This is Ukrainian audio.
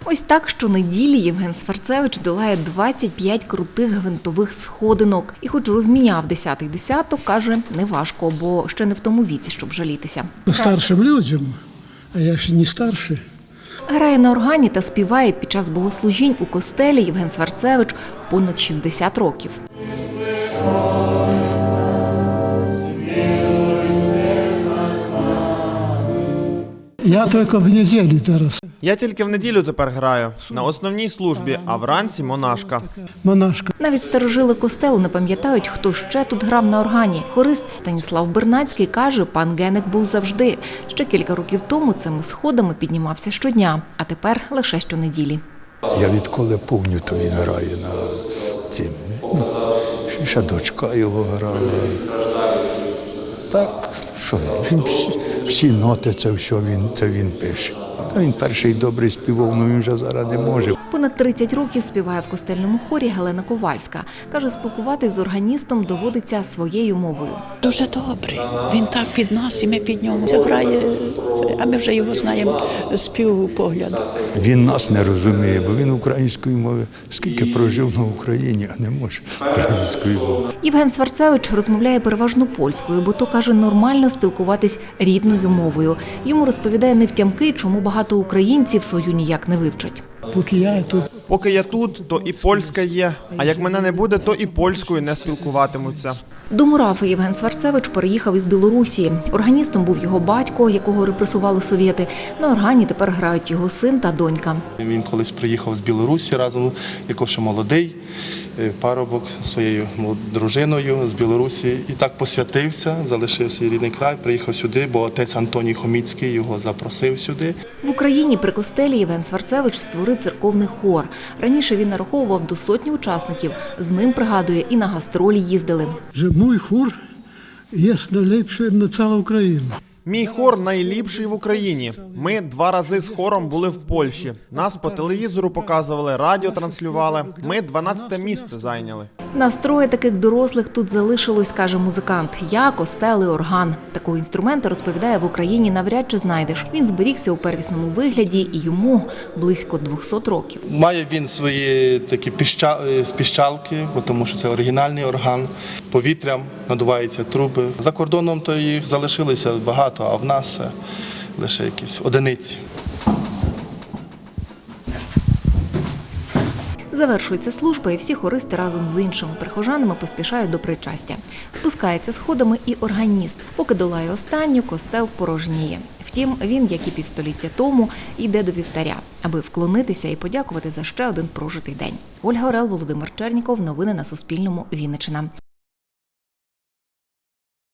Ось так щонеділі Євген Сварцевич долає 25 крутих гвинтових сходинок. І хоч розміняв 10-й десяток, каже, неважко, бо ще не в тому віці, щоб жалітися. Старшим людям, а я ще не старший. Грає на органі та співає під час богослужінь у костелі Євген Сварцевич понад 60 років. Я тільки в неділю зараз. Я тільки в неділю тепер граю, на основній службі, а вранці монашка. Монашка. Навіть старожили костелу не пам'ятають, хто ще тут грав на органі. Хорист Станіслав Бернацький каже, пан Генек був завжди. Ще кілька років тому цими сходами піднімався щодня, а тепер лише щонеділі. Я відколи помню, то він грає на цим. Ще дочка його грала. Так, що він, всі ноти, це він пише. Та він перший добрий співав, але він вже зараз не може. Понад 30 років співає в костельному хорі Галина Ковальська. Каже, спілкуватись з органістом доводиться своєю мовою. Дуже добрий. Він так під нас, і ми під нього. Це грає, а ми вже його знаємо з півпогляду. Він нас не розуміє, бо він української мови. Скільки прожив на Україні, а не може української мови. Євген Сварцевич розмовляє переважно польською, бо то, каже, нормально спілкуватись рідною мовою. Йому розповідає невтямки, чому багато українців свою ніяк не вивчать. Поки я тут, То і польська є, а як мене не буде, то і польською не спілкуватимуться. До Мурафи Євген Сварцевич переїхав із Білорусі. Органістом був його батько, якого репресували совєти. На органі тепер грають його син та донька. Він колись приїхав з Білорусі разом, якось ще молодий, парубок зі своєю дружиною з Білорусі. І так посвятився, залишив свій рідний край, приїхав сюди, бо отець Антоній Хоміцький його запросив сюди. В Україні при костелі Євген Сварцевич створив церковний хор. Раніше він нараховував до 100 учасників. З ним, пригадує, і на гастролі їздили. Мій хор є найліпший на цілу Україну. Мій хор найліпший в Україні. Ми 2 рази з хором були в Польщі. Нас по телевізору показували, радіо транслювали. Ми 12-те місце зайняли. Настроє таких дорослих тут залишилось, каже музикант. Я, костел і орган. Такого інструмента, розповідає, в Україні навряд чи знайдеш. Він зберігся у первісному вигляді і йому близько 200 років. Має він свої такі піщалки, тому що це оригінальний орган. Повітрям надуваються труби. За кордоном то їх залишилося багато, а в нас лише якісь одиниці. Завершується служба, і всі хористи разом з іншими прихожанами поспішають до причастя. Спускається сходами і органіст. Поки долає останню, костел порожніє. Втім, він, як і півстоліття тому, йде до вівтаря, аби вклонитися і подякувати за ще один прожитий день. Ольга Орел, Володимир Черніков. Новини на Суспільному. Вінниччина.